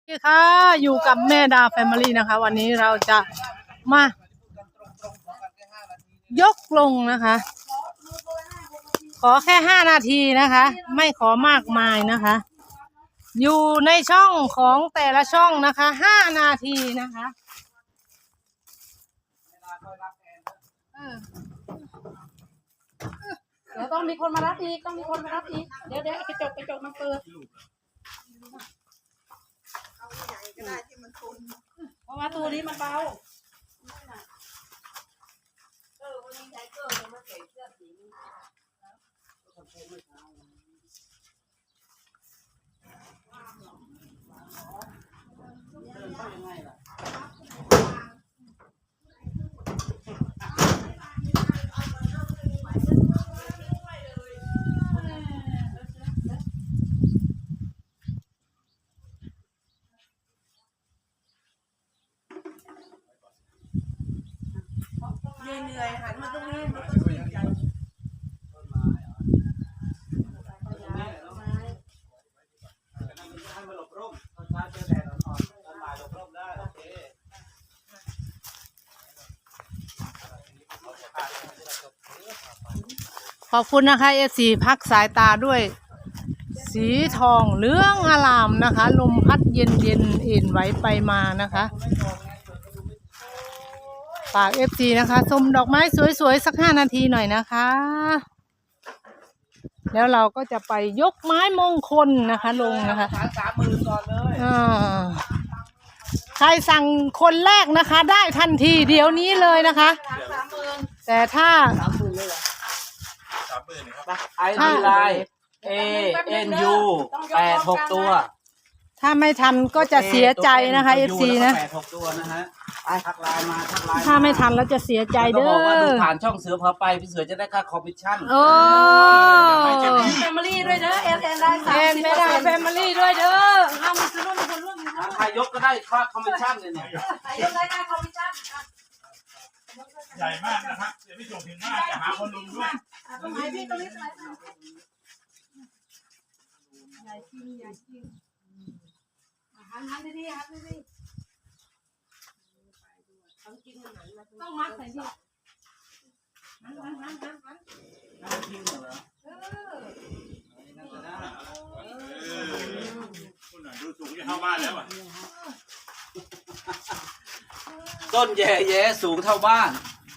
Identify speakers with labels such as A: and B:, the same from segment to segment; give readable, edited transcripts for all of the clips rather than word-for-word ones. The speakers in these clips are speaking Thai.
A: สวัสดีค่ะอยู่กับแม่ดาแฟมิลี่นะคะวันนี้เราจะมายกลงนะคะขอแค่5 นาทีนะคะไม่ขอมากมายนะคะอยู่ในช่องของแต่ละช่องนะคะ5 นาทีนะคะ
B: เดี๋ยวต้องมีคนมารับอีกเดี๋ยวกระจกมันเปิดเพราะว่าตัวนี้มันเบาเหนื่อยหันมาตรงนี้มันต้องวิ่งใจ
A: ขอบคุณนะคะFCพักสายตาด้วยสีทองเหลืองอลามนะคะลมพัดเย็นเอ็นไหวไปมานะคะฝาก FC นะคะชมดอกไม้สวยๆสัก5 นาทีหน่อยนะคะแล้วเราก็จะไปยกไม้มงคลนะคะลงนะคะ
B: 30,000ก่อนเลย
A: ใครสั่งคนแรกนะคะได้ทันทีเดี๋ยวนี้เลยนะคะแต่ถ้า
C: 30,000เลยเหรอ30,000ครับไอดีไลน์ ANU 86 ตัว
A: ถ้าไม่ทันก็จะเสียใจนะคะ FC นะ
C: 86 ตัวนะฮะทักไลน์มา
A: ถ้าไม่ทันแล้วจะเสียใจเด้อ
C: บอกว่าดูผ่านช่องเสือพาไปพี่เสือจะได้ค่าคอมมิชชั่น
B: แฟมิลี่ด้วยเด้อเอ็นได้
A: ไม่ได้แฟมิลี่ด้วยเด้อ
B: เอามีส่วนร่วมมีคนร่วม
C: ใครยกก็ได้ค่าคอมมิชชั่นเลยเนี่ย
B: ยกได้ค่าคอมมิชชั่น
D: ใหญ่มากนะครับเดี๋ยวพี่ส่งถึงมากจะหาคนลุงด้วย
B: ตรงไหนพี่ตรงนี้ใหญ่จริงหันดีต้องมัดใส่ดิหัน
D: คุณหน่อยดูสูงจะเข้าบ้านแล้วอ่ะ
C: ต้นแย่สูงเท่าบ้าน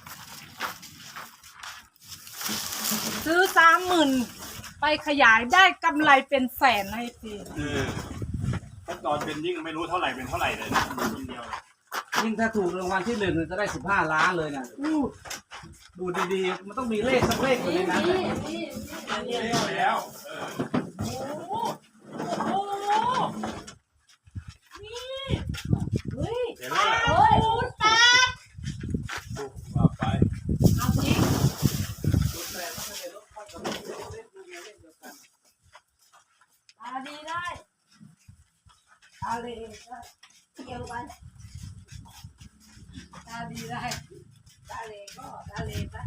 A: ซื้อ30,000ไปขยายได้กำไรเป็นแสนให้ที
D: ขั้นตอนเป็นยิ่งไม่รู้เท่าไหร่เป็นเท่าไหร่เลยนะคนเดียว
C: ยิ่งถ้าถูกรางวัลที่1จะได้15 ล้านเลยนะดูดีๆมันต้องมีเลขสักเลขอยู่ในนั้นแหละ
D: แล้วเดี๋ยว
B: คุณตา
D: ไป
B: เอาสิดีได้เลยเกี่ยวกันดีได้เลยก็เลยปะ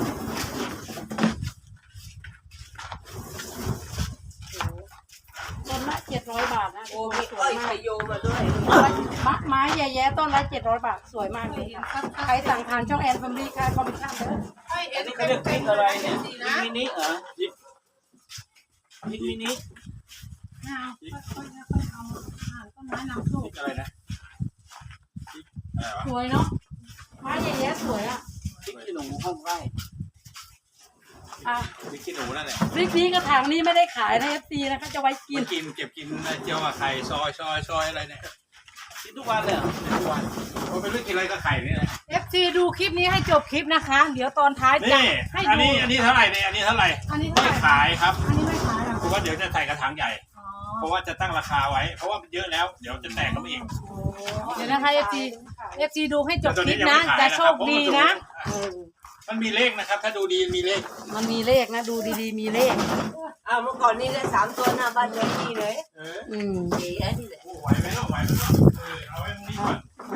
B: ต้นละ700 บาทนะ
E: โอ้มีอ้อยไข่โยมาด้วย
B: ไม้แย่ๆต้นละ700 บาทสวยมากเลยใครสั่งผ่านช่องแอนฟมิลี่ค่ะคอมมิชชั่นเด้อ
C: อันนี้เขาเรียกพริกอะไรเนี่ยมินิเหรอพริกมินิ
B: ค่อยเอาต้นไม้นำโชค
D: อะไรนะ
B: สวยเนาะไม้แย่ๆสวยอ่ะ
C: พริกขี้หนูห้องไร่
D: พริกขี้หนูนั่นแหละ
B: พริกนี้กระถางนี้ไม่ได้ขายนะFCนะคะจะไว้กิน
D: เก็บกินเจียวกับไข่ซอยอะไรเนี่ย
C: กินทุกวันเลย
D: ทุกวันผมไม่รู้กินอะไรกับไข่นี่แหละ
A: FC ดูคลิปนี้ให้จบคลิปนะคะเดี๋ยวตอนท้ายจะให้ดู
D: อันนี้เท่าไหร่เนี่ยอันนี้เท่าไหร่ไม่ขายครับ
A: อันนี้ไม่ขาย
D: เพราะว่าเดี๋ยวจะใส่กระถางใหญ่เพราะว่าจะตั้งราคาไว้เพราะว่าเยอะแล้วเดี๋ยวจะแตกก็ไม่เอง
A: เดี๋ยวนะคะ FC ดูให้จบคลิปนะจะโชคดีนะ
D: มันมีเลขนะครับถ้าดูดีมีเลข
B: มันมีเลขนะดูดีๆมีเลข
E: เมื่อก่อนนี้ได้3 ตัวหน้าบ้านเลยนี่เลยดีไอ้นี่แหละ
D: ไหวไหมเนาะเอาไว้ตรงนี้ก่อน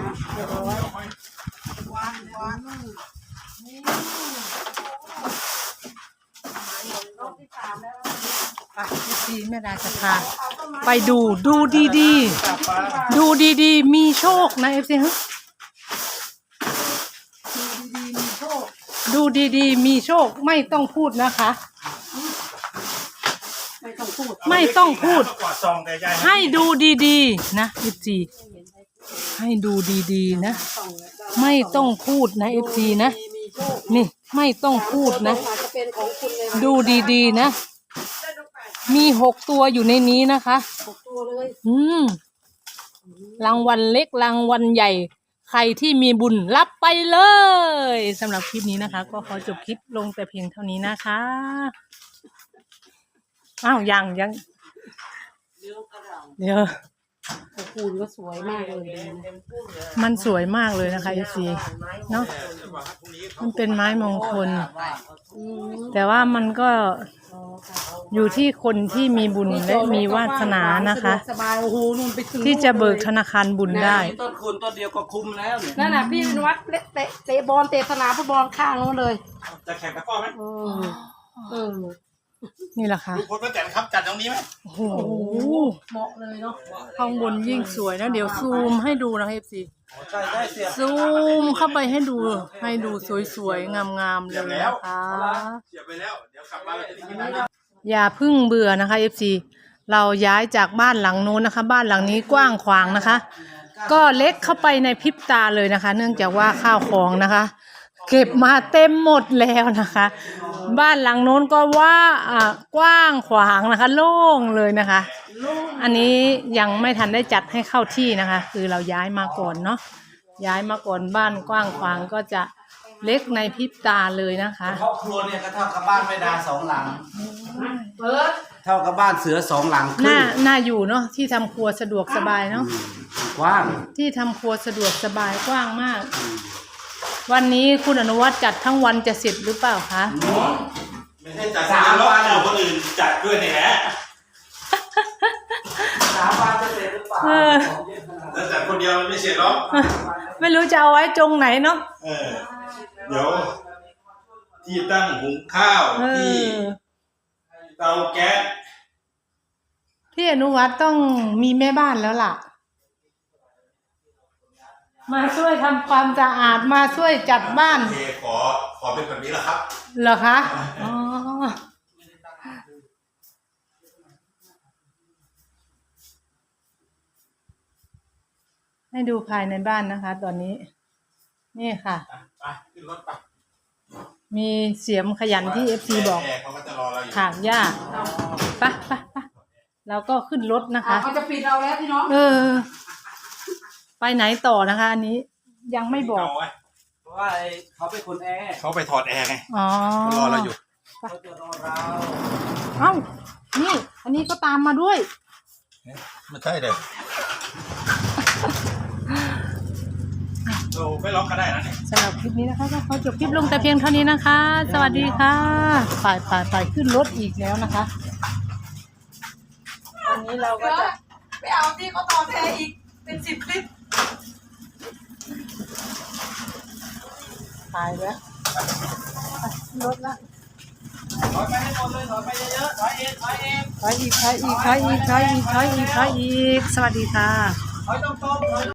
B: วางนี่รอบที่3แล้ว
A: FC แม่ดาจะพาไปดูดีๆดูดีๆมีโชคนะเอฟซีฮะดูดีๆมีโชคไม่ต้องพูดนะคะ
B: ไม่ต้องพูด
A: ไม่ต้องพูด
D: กอดซองแต่ยาย
A: ให้ดูดีๆนะเอฟซีให้ดูดีๆนะไม่ต้องพูดนะเอฟซีนะนี่ไม่ต้องพูดนะ
B: อาจจะเป็นของคุณเลย
A: ดูดีๆนะมี6 ตัวอยู่ในนี้นะคะ
B: 6 ตัวเลย
A: รางวัลเล็กรางวัลใหญ่ใครที่มีบุญรับไปเลยสำหรับคลิปนี้นะคะ ก็ขอจบคลิปลงแต่เพียงเท่านี้นะคะอ้าวยังเดี๋ยว
B: คูณก็สวยมากเลยนะ
A: มันสวยมากเลยนะคะเอซีเนาะมันเป็นไม้มงคล แต่ว่ามันก็อยู่ที่คนที่มีบุญและมีวาสนานะคะ
B: สบายโอ้โหนู่นไปถึง
A: ที่จะเบิกธนาคารบุญได้
C: ต้นคูณต้นเดียวก็คุ้มแล้วเนี่ย
B: นั่นน่ะพี่นวัดเตะบอลเตะสนามฟุตบอลข้างนู้นเลย
D: จะแข่งตะกร้อไหม
B: เออ
A: นี่แหละค่ะ
D: ลูกคนป้าแตนครับจัดตรงนี้ไหม
A: โอ้โห
B: เหมาะเลยเนาะ
A: ข้างบนยิ่งสวยนะเดี๋ยวซูมให้ดูนะคะเอฟซี
C: ใช่ได้เสีย
A: ซูมเข้าไปให้ดูสวยๆงามๆเลยนะคะ
D: เสียบไปแล้วเดี๋ยวกลับมาเราจะได้กินนะ
A: อย่าเพึ่งเบื่อนะคะ FC เราย้ายจากบ้านหลังนู้นนะคะ บ้านหลังนี้กว้างขวางนะคะ ก็เล็กเข้าไปในพริบตาเลยนะคะ เนื่องจากว่าข้าวของนะคะ เก็บมาเต็มหมดแล้วนะคะ บ้านหลังโน้นก็ว่ากว้างขวางนะคะ โล่งเลยนะคะ อันนี้ยังไม่ทันได้จัดให้เข้าที่นะคะ คือเราย้ายมาก่อนเนาะย้ายมาก่อนบ้านกว้างขวางก็จะเล็กในพริบตาเลยนะคะ
C: ครอบครัวเนี่ยก็เท่ากับบ้านแม่ดา2 หลัง
B: เปิด
C: เท่ากับบ้านเสือ2 หลังครึ่ง
A: น่าอยู่เนาะที่ทำครัวสะดวกสบายเนาะ
C: กว้าง
A: ที่ทำครัวสะดวกสบายกว้างมาก วันนี้คุณอนุวัฒน์จัดทั้งวันจะเสร็จหรือเปล่าคะ
D: ไม่ใช่จัด3 วันเอาคนอื่นจัดด้วยนี่แหละ
C: 3 วันจะเสร็จหรือเปล่า
D: แต่จัดคนเดียวมันไม่เสร็จหรอก
A: ไม่รู้จะเอาไว้ตรงไหนเนาะ
D: เดี๋ยวที่ตั้งหุงข้าวที่เตาแก๊ส
A: พี่อนุวัฒน์ต้องมีแม่บ้านแล้วล่ะ มาช่วยทำความสะอาดมาช่วยจัดบ้าน
D: โอเคขอเป็นแบบนี้แหละครับ
A: เหรอคะอ๋อให้ดูภายในบ้านนะคะ ตอนนี้ นี่ค่ะ
D: ไปขึ้นรถไป
A: มีเสียมขยันที่ FC บอก
D: แขกเขาก็จะรอเราอยู่
A: ถางหญ้าไปเราก็ขึ้นรถนะคะ
B: เขาจะปิดเราแล้วพี่น้อง
A: ไปไหนต่อนะคะ อันนี้ยังไม่บอก
D: เาไว้
C: เพราะว่าเขาเป็นคนแอร์
D: เขาไปถอดแอร์ไง
A: อ๋อ
D: เขารอเราอยู่
C: เขาจะรอเรา
A: เอ้านี่ อันนี้ก็ตามมาด้วย
D: ไม่ใช่เลยเราไม่ล็อกก็ได้นะเนี่ย
A: สำหรับคลิปนี้นะคะก็ขอจบคลิปลงแต่เพียงเท่านี้นะคะ สวัสดีค่ะไปขึ้นรถอีกแล้วนะคะวันนี้เราก็จะ
E: ไปเอาที่เขาต่อแพรอีกเป็น10 คลิป
A: ตายแล้วขึ้นรถละ
C: ถอยไปให้หมดเลยถอยไปเยอะๆถอยเองถอยเอง
A: ถอยอีก สวัสดีค่ะ
C: ถอยตรงๆถอย